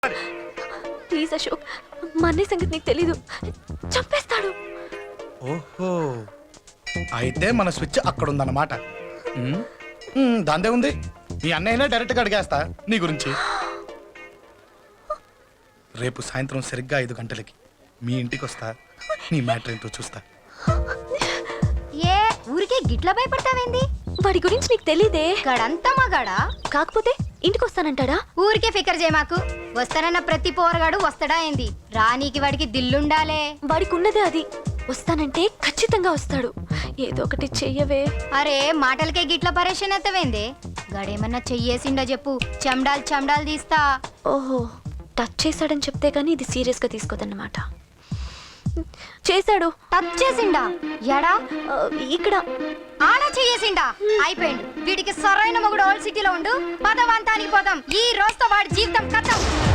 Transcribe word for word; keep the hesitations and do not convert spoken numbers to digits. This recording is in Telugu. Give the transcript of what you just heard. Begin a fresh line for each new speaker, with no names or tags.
ప్లీజ్ అశోక్, మా అన్నయ్య సంగతి నీకు తెలీదు, చంపేస్తాడు.
ఓహో, అయితే మన స్విచ్ అక్కడ ఉందన్నమాట. దాందే ఉంది, మీ అన్నయ్యనే డైరెక్ట్గా అడిగేస్తా నీ గురించి. రేపు సాయంత్రం సరిగ్గా ఐదు గంటలకి మీ ఇంటికి వస్తా, నీ మ్యాటర్ ఏంటో చూస్తా.
ఏ ఊరికే గిట్ల భయపడతావేంది?
వాడి గురించి నీకు తెలీదే.
గడంతా మగాడా,
కాకపోతే ఇంటికి వస్తానంటాడా?
ఊరికే ఫికర్ చేయమాకు. వస్తానన్న ప్రతి పోరగాడు వస్తాడా ఏంది? రానీకి వాడికి దిల్లుండాలే.
వాడికి ఉన్నదే అది. వస్తానంటే ఖచ్చితంగా వస్తాడు. ఏదో ఒకటి చెయ్యవే.
అరే మాటలకే గిట్ల పరేషన్ అవుతావేంది? గడేమన్నా చెయ్యేసిండా చెప్పు, చెమ్డాల్ చెమ్డాల్ తీస్తా.
ఓహో, టచ్ చేశాడని చెప్తే గానీ ఇది సీరియస్ గా తీసుకోదన్నమాట. చేశాడు.
టచ్ చేసిండా? ఎడా?
ఆ, ఇక్కడ.
ఆడా చెయ్యేసిండా? అయిపోయిండు. వీడికి సరైన మొగుడు ఓల్డ్ సిటీలో ఉండు. పదవంతానికి పోదాం. ఈ రోజుతో వాడి జీవితం కథం.